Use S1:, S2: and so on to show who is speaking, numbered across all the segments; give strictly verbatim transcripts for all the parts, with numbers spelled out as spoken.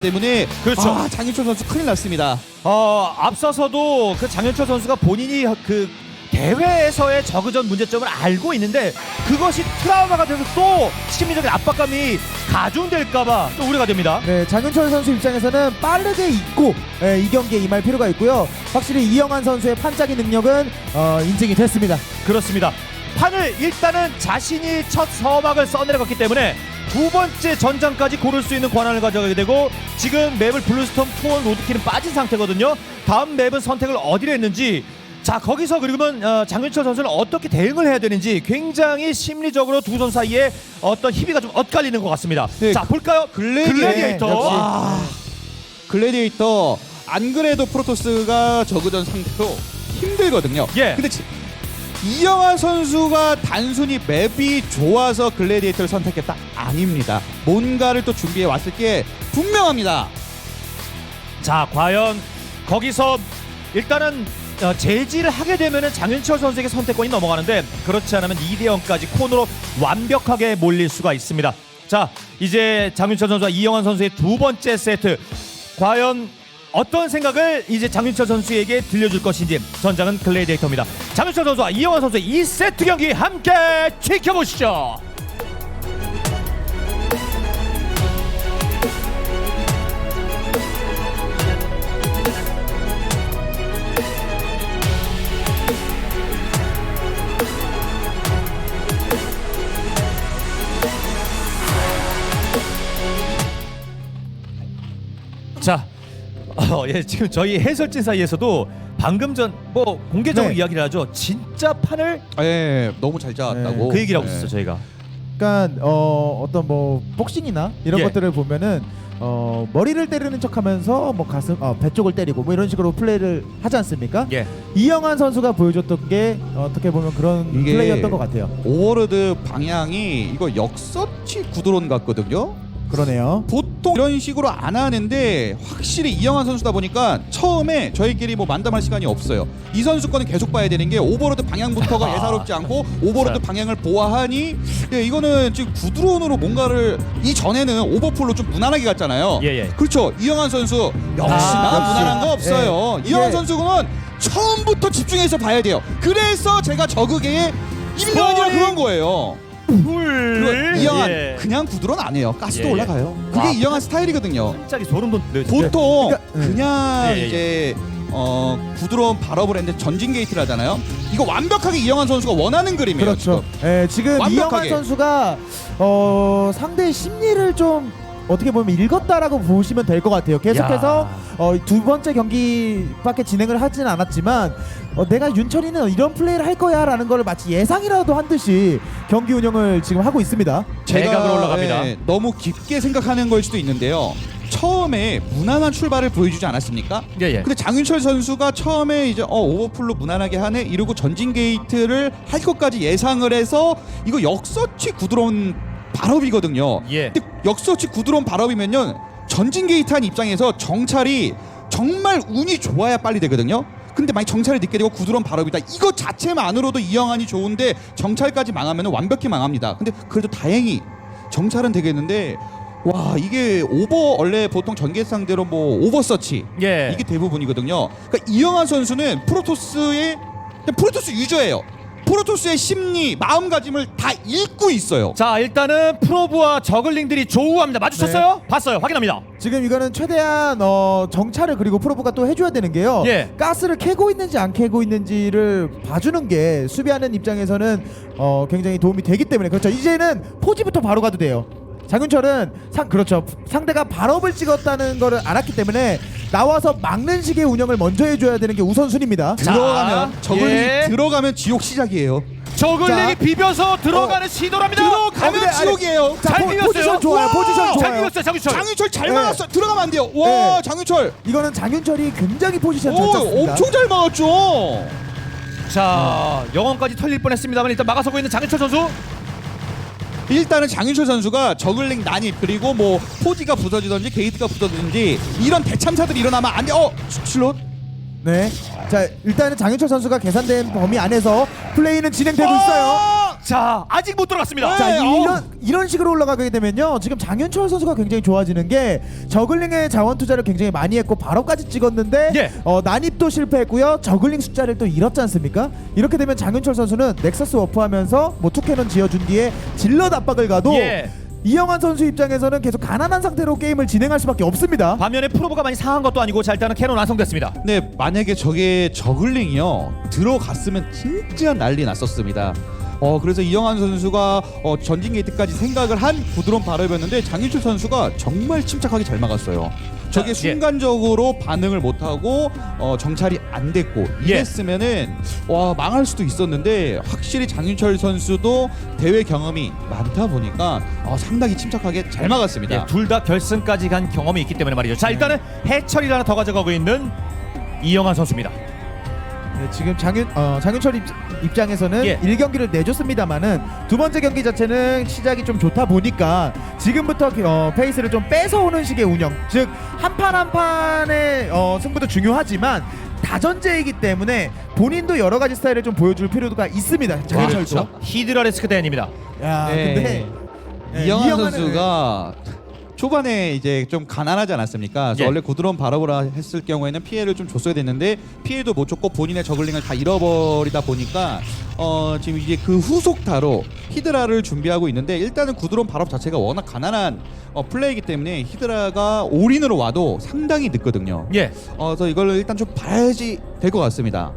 S1: 때문에
S2: 그렇죠.
S1: 아, 장윤철 선수 큰일 났습니다.
S2: 어, 앞서서도 그 장윤철 선수가 본인이 그 대회에서의 저그전 문제점을 알고 있는데 그것이 트라우마가 돼서 또 심리적인 압박감이 가중될까봐 또 우려가 됩니다.
S3: 네, 장윤철 선수 입장에서는 빠르게 잊고 예, 이 경기에 임할 필요가 있고요. 확실히 이영환 선수의 판짜기 능력은 어, 인증이 됐습니다.
S2: 그렇습니다. 판을 일단은 자신이 첫 서막을 써내려갔기 때문에 두 번째 전장까지 고를 수 있는 권한을 가져가게 되고 지금 맵을 블루스톰, 투원, 로드킬은 빠진 상태거든요. 다음 맵은 선택을 어디로 했는지, 자 거기서 그러면 어, 장윤철 선수는 어떻게 대응을 해야 되는지 굉장히 심리적으로 두 선수 사이에 어떤 희비가 좀 엇갈리는 것 같습니다.
S1: 네,
S2: 자 볼까요?
S1: 글래디에이터.
S2: 글래디에이터.
S3: 네, 역시.
S2: 와.
S1: 글래디에이터 안 그래도 프로토스가 저그전 상태로 힘들거든요.
S2: 예.
S1: 근데 지, 이영환 선수가 단순히 맵이 좋아서 글래디에이터를 선택했다? 아닙니다. 뭔가를 또 준비해 왔을 게 분명합니다.
S2: 자 과연 거기서 일단은 어, 제지를 하게 되면은 장윤철 선수에게 선택권이 넘어가는데 그렇지 않으면 이 대 영까지 코너로 완벽하게 몰릴 수가 있습니다. 자 이제 장윤철 선수와 이영환 선수의 두 번째 세트, 과연 어떤 생각을 이제 장윤철 선수에게 들려줄 것인지. 전장은 글래디에이터입니다. 장윤철 선수와 이영환 선수의 이 세트 경기 함께 지켜보시죠. 자, 어, 예, 지금 저희 해설진 사이에서도 방금 전 뭐 공개적으로
S3: 네.
S2: 이야기를 하죠. 진짜 판을
S1: 예, 너무 잘 잡았다고.
S2: 그 얘기를 하고
S1: 예.
S2: 있었어요 저희가.
S3: 그러니까 어, 어떤 뭐 복싱이나 이런
S2: 예.
S3: 것들을 보면은 어, 머리를 때리는 척하면서 뭐 가슴, 어, 배 쪽을 때리고 뭐 이런 식으로 플레이를 하지 않습니까?
S2: 예.
S3: 이영환 선수가 보여줬던 게 어떻게 보면 그런
S1: 이게
S3: 플레이였던 것 같아요.
S1: 오버로드 방향이 이거 역서치 구드론 같거든요.
S3: 그러네요.
S1: 보통 이런 식으로 안 하는데 확실히 이영환 선수다 보니까 처음에 저희끼리 뭐 만담할 시간이 없어요. 이 선수 거는 계속 봐야 되는 게 오버로드 방향부터가
S2: 아.
S1: 예사롭지 않고 오버로드 방향을 보아하니 예, 이거는 지금 구드론으로 뭔가를 이전에는 오버풀로 좀 무난하게 갔잖아요.
S2: 예, 예.
S1: 그렇죠. 이영환 선수 역시나
S2: 아,
S1: 무난한 거
S3: 역시.
S1: 없어요.
S3: 예.
S1: 이영환
S3: 이게-
S1: 선수는 처음부터 집중해서 봐야 돼요. 그래서 제가 저그계의 임명환이라
S2: 스포링.
S1: 그런 거예요.
S2: 풀.
S1: 그리고 이영환
S2: 예.
S1: 그냥 구드론 안 해요. 가스도
S2: 예, 예.
S1: 올라가요. 그게
S2: 와.
S1: 이영환 스타일이거든요.
S2: 갑자기 소름 돋네요. 진짜.
S1: 보통
S3: 그러니까, 음.
S1: 그냥
S2: 예, 예, 예.
S1: 이제 어 구드론 발업을 했는데 전진 게이트를 하잖아요. 이거 완벽하게 이영환 선수가 원하는 그림이에요.
S3: 그렇죠.
S1: 지금.
S3: 예, 지금
S1: 완벽하게.
S3: 이영환 선수가 어, 상대의 심리를 좀 어떻게 보면 읽었다라고 보시면 될 것 같아요. 계속해서 어, 두 번째 경기밖에 진행을 하진 않았지만 어, 내가 윤철이는 이런 플레이를 할 거야라는 걸 마치 예상이라도 한 듯이 경기 운영을 지금 하고 있습니다.
S2: 대각으로 올라갑니다.
S1: 예, 너무 깊게 생각하는 걸 수도 있는데요. 처음에 무난한 출발을 보여주지 않았습니까?
S2: 예, 예.
S1: 근데 장윤철 선수가 처음에 이제 어 오버풀로 무난하게 하네 이러고 전진 게이트를 할 것까지 예상을 해서 이거 역서치 구드론 발업이거든요.
S2: 예.
S1: 근데 역서치 구드론 발업이면요 전진 게이트 한 입장에서 정찰이 정말 운이 좋아야 빨리 되거든요. 근데 만약 정찰이 늦게 되고 구드론 발업이다. 이거 자체만으로도 이영환이 좋은데 정찰까지 망하면 완벽히 망합니다. 근데 그래도 다행히 정찰은 되겠는데 와 이게 오버 원래 보통 전개 상대로 뭐 오버서치
S2: 예.
S1: 이게 대부분이거든요. 그러니까 이영환 선수는 프로토스의 그냥 프로토스 유저예요. 프로토스의 심리, 마음가짐을 다 읽고 있어요.
S2: 자 일단은 프로브와 저글링들이 조우합니다. 마주쳤어요?
S1: 네.
S2: 봤어요. 확인합니다.
S3: 지금 이거는 최대한 어, 정찰을 그리고 프로브가 또 해줘야 되는 게요.
S2: 예.
S3: 가스를 캐고 있는지 안 캐고 있는지를 봐주는 게 수비하는 입장에서는 어, 굉장히 도움이 되기 때문에 그렇죠. 이제는 포지부터 바로 가도 돼요. 장윤철은 상 그렇죠. 상대가 발업을 찍었다는 거를 알았기 때문에 나와서 막는 식의 운영을 먼저 해줘야 되는 게 우선순위입니다.
S2: 자,
S1: 들어가면 저글링
S2: 예.
S1: 들어가면 지옥 시작이에요.
S2: 저글링이
S3: 자.
S2: 비벼서 들어가는 시도랍니다.
S1: 들어가면
S3: 어, 근데 아니,
S1: 지옥이에요.
S3: 자,
S2: 잘
S3: 포,
S2: 비볐어요.
S3: 포지션 좋아요.
S1: 우와!
S3: 포지션
S2: 잘
S3: 좋아요.
S2: 비웠어요 장윤철.
S1: 장윤철 잘
S3: 네.
S1: 막았어. 들어가면 안 돼요. 와
S3: 네.
S1: 장윤철.
S3: 이거는 장윤철이 굉장히 포지션 잘
S1: 오
S3: 짰습니다.
S1: 엄청 잘 막았죠.
S2: 자 영혼까지 털릴 뻔했습니다만 일단 막아서고 있는 장윤철 선수.
S1: 일단은 장윤철 선수가 저글링 난입 그리고 뭐 포지가 부서지든지 게이트가 부서지든지 이런 대참사들이 일어나면 안 돼. 어 슬롯.
S3: 네. 자 일단은 장윤철 선수가 계산된 범위 안에서 플레이는 진행되고 있어요.
S2: 자, 아직 못 들어갔습니다.
S3: 자,
S1: 네,
S3: 이런 이런 식으로 올라가게 되면요. 지금 장윤철 선수가 굉장히 좋아지는 게 저글링의 자원 투자를 굉장히 많이 했고 바로까지 찍었는데
S2: 예.
S3: 어, 난입도 실패했고요. 저글링 숫자를 또 잃었지 않습니까? 이렇게 되면 장윤철 선수는 넥서스 워프하면서 뭐 투캐논 지어준 뒤에 질럿 압박을 가도
S2: 예.
S3: 이영환 선수 입장에서는 계속 가난한 상태로 게임을 진행할 수밖에 없습니다.
S2: 반면에 프로브가 많이 상한 것도 아니고 자, 일단은 캐논 완성됐습니다.
S1: 근데 만약에 저게 저글링이요 들어갔으면 진짜 난리 났었습니다. 어 그래서 이영환 선수가 어, 전진 게이트까지 생각을 한 부드러운 발업이었는데 장윤철 선수가 정말 침착하게 잘 막았어요. 저게
S2: 자, 예.
S1: 순간적으로 반응을 못하고 어, 정찰이 안 됐고
S2: 예.
S1: 이랬으면은 와 망할 수도 있었는데 확실히 장윤철 선수도 대회 경험이 많다 보니까 어, 상당히 침착하게 잘 막았습니다.
S2: 예, 둘 다 결승까지 간 경험이 있기 때문에 말이죠. 자, 일단은 해철이를 하나 더 가져가고 있는 이영환 선수입니다.
S3: 네, 지금 장윤 어, 장윤철 입, 입장에서는
S2: 예.
S3: 일 경기를 내줬습니다만은 두 번째 경기 자체는 시작이 좀 좋다 보니까 지금부터 어, 페이스를 좀 뺏어오는 식의 운영, 즉 한 판 한 판의 어, 승부도 중요하지만 다전제이기 때문에 본인도 여러 가지 스타일을 좀 보여줄 필요가 있습니다. 장윤철도.
S2: 그렇죠. 히드라 리스크 대행입니다.
S3: 야,
S1: 네.
S3: 근데 네,
S1: 이영환
S3: 이영환은-
S1: 선수가 초반에 이제 좀 가난하지 않았습니까? 그래서
S2: 예.
S1: 원래 고드런 발업을 했을 경우에는 피해를 좀 줬어야 됐는데 피해도 못 줬고 본인의 저글링을 다 잃어버리다 보니까 어 지금 이제 그 후속타로 히드라를 준비하고 있는데 일단은 구드론 발업 자체가 워낙 가난한 어, 플레이이기 때문에 히드라가 올인으로 와도 상당히 늦거든요.
S2: 예.
S1: 어, 그래서 이걸 일단 좀 봐야지 될 것 같습니다.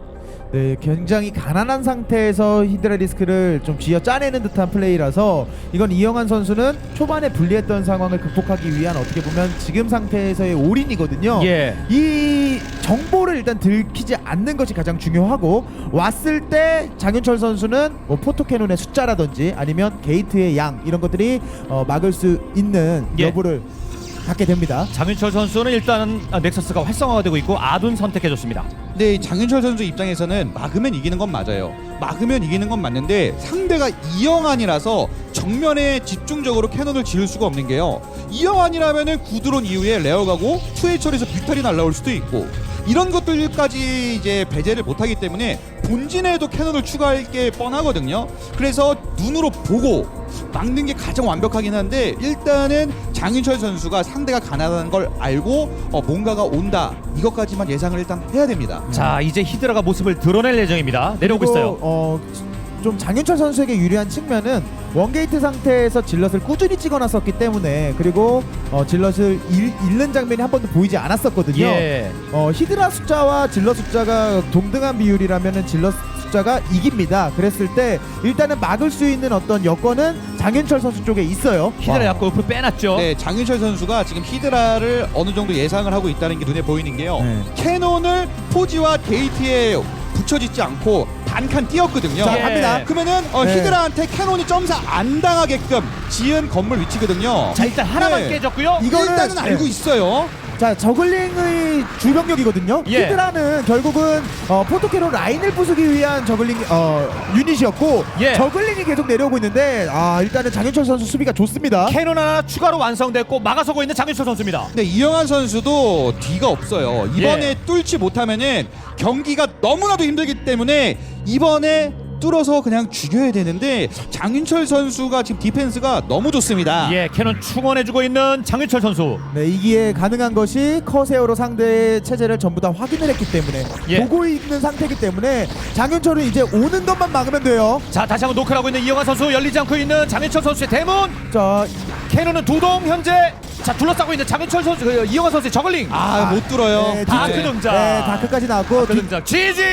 S3: 네, 굉장히 가난한 상태에서 히드라 리스크를 좀 쥐어 짜내는 듯한 플레이라서 이건 이영환 선수는 초반에 불리했던 상황을 극복하기 위한 어떻게 보면 지금 상태에서의 올인이거든요.
S2: 예.
S3: 이 정보를 일단 들키지 않는 것이 가장 중요하고 왔을 때 장윤철 선수는 뭐 포토캐논의 숫자라든지 아니면 게이트의 양 이런 것들이 어, 막을 수 있는
S2: 예.
S3: 여부를 갖게 됩니다.
S2: 장윤철 선수는 일단은 아, 넥서스가 활성화가 되고 있고 아둔 선택해줬습니다.
S1: 근데 이 장윤철 선수 입장에서는 막으면 이기는 건 맞아요. 막으면 이기는 건 맞는데 상대가 이영환이라서 정면에 집중적으로 캐논을 지을 수가 없는 게요. 이영환이라면은 구드론 이후에 레어 가고 투에이철에서 뮤탈이 날라올 수도 있고 이런 것들까지 이제 배제를 못하기 때문에 본진에도 캐논을 추가할 게 뻔하거든요. 그래서 눈으로 보고 막는 게 가장 완벽하긴 한데 일단은 장윤철 선수가 상대가 가난한 걸 알고 어, 뭔가가 온다 이것까지만 예상을 일단 해야 됩니다.
S2: 자, 이제 히드라가 모습을 드러낼 예정입니다. 내려오고
S3: 그리고,
S2: 있어요.
S3: 어, 좀 장윤철 선수에게 유리한 측면은 원게이트 상태에서 질럿을 꾸준히 찍어놨었기 때문에 그리고 어, 질럿을 잃, 잃는 장면이 한 번도 보이지 않았었거든요.
S2: 예.
S3: 어, 히드라 숫자와 질럿 숫자가 동등한 비율이라면은 질럿 숫자가 이깁니다. 그랬을 때 일단은 막을 수 있는 어떤 여건은 장윤철 선수 쪽에 있어요.
S2: 히드라 약간 옆으로 빼놨죠.
S1: 네, 장윤철 선수가 지금 히드라를 어느 정도 예상을 하고 있다는 게 눈에 보이는 게요.
S3: 네.
S1: 캐논을 포지와 게이트에 붙여짓지 않고 단칸 띄었거든요.
S3: 자,
S2: 예.
S3: 갑니다.
S1: 그러면은 어,
S3: 네.
S1: 히드라한테 캐논이 점사 안 당하게끔 지은 건물 위치거든요.
S2: 자, 일단 하나만
S1: 네.
S2: 깨졌고요.
S3: 이거는-
S1: 일단은 알고
S3: 네.
S1: 있어요.
S3: 자, 저글링의 주병력이거든요.
S2: 예.
S3: 히드라는 결국은 어, 포토캐로 라인을 부수기 위한 저글링 어, 유닛이었고
S2: 예.
S3: 저글링이 계속 내려오고 있는데 아, 일단은 장윤철 선수 수비가 좋습니다.
S2: 캐논 하나 추가로 완성됐고 막아서고 있는 장윤철 선수입니다.
S1: 근데 이영환 선수도 뒤가 없어요. 이번에
S2: 예.
S1: 뚫지 못하면은 경기가 너무나도 힘들기 때문에 이번에 뚫어서 그냥 죽여야 되는데 장윤철 선수가 지금 디펜스가 너무 좋습니다.
S2: 예, 캐논 충원해주고 있는 장윤철 선수.
S3: 네, 이기에 가능한 것이 커세어로 상대의 체제를 전부 다 확인을 했기 때문에
S2: 예.
S3: 보고 있는 상태이기 때문에 장윤철은 이제 오는 것만 막으면 돼요.
S2: 자, 다시 한번 노크를 하고 있는 이영환 선수. 열리지 않고 있는 장윤철 선수의 대문.
S3: 자,
S2: 캐논은 두동 현재 자 둘러싸고 있는 장윤철 선수, 그, 이영환 선수의 저글링.
S1: 아, 못 뚫어요.
S3: 네,
S2: 다크
S1: 네.
S2: 등장.
S3: 네, 다크까지 나왔고
S2: 다크 등장.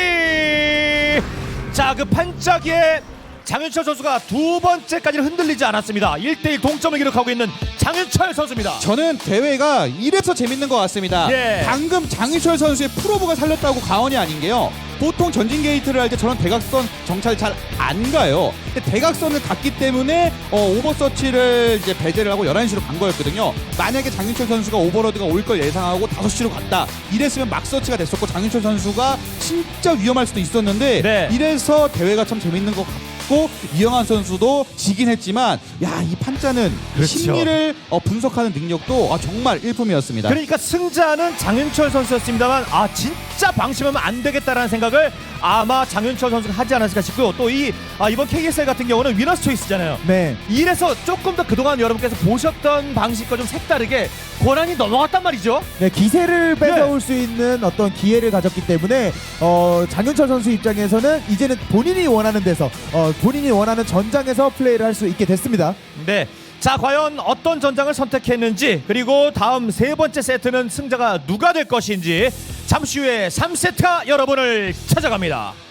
S2: 지지. 자, 그 반짝이에 장윤철 선수가 두 번째까지는 흔들리지 않았습니다. 일 대 일 동점을 기록하고 있는 장윤철 선수입니다.
S1: 저는 대회가 이래서 재밌는 것 같습니다.
S2: 예.
S1: 방금 장윤철 선수의 프로브가 살렸다고 과언이 아닌 게요. 보통 전진 게이트를 할 때 저런 대각선 정찰 잘 안 가요. 근데 대각선을 갔기 때문에 어, 오버서치를 이제 배제를 하고 열한 시로 간 거였거든요. 만약에 장윤철 선수가 오버로드가 올 걸 예상하고 다섯 시로 갔다. 이랬으면 막서치가 됐었고 장윤철 선수가 진짜 위험할 수도 있었는데
S2: 네.
S1: 이래서 대회가 참 재밌는 것 했고 이영환 선수도 지긴 했지만 야, 이 판짜는
S2: 그렇죠.
S1: 심리를 어, 분석하는 능력도 아, 정말 일품이었습니다.
S2: 그러니까 승자는 장윤철 선수였습니다만 아 진짜 방심하면 안 되겠다라는 생각을 아마 장윤철 선수가 하지 않았을까 싶고요. 또 이 아, 이번 케이에스엘 같은 경우는 위너스 초이스잖아요.
S3: 네.
S2: 이래서 조금 더 그동안 여러분께서 보셨던 방식과 좀 색다르게 권한이 넘어갔단 말이죠.
S3: 네, 기세를 뺏어올 수 있는 어떤 기회를 가졌기 때문에 어, 장윤철 선수 입장에서는 이제는 본인이 원하는 데서 어, 본인이 원하는 전장에서 플레이를 할 수 있게 됐습니다.
S2: 네. 자, 과연 어떤 전장을 선택했는지 그리고 다음 세 번째 세트는 승자가 누가 될 것인지 잠시 후에 삼 세트가 여러분을 찾아갑니다.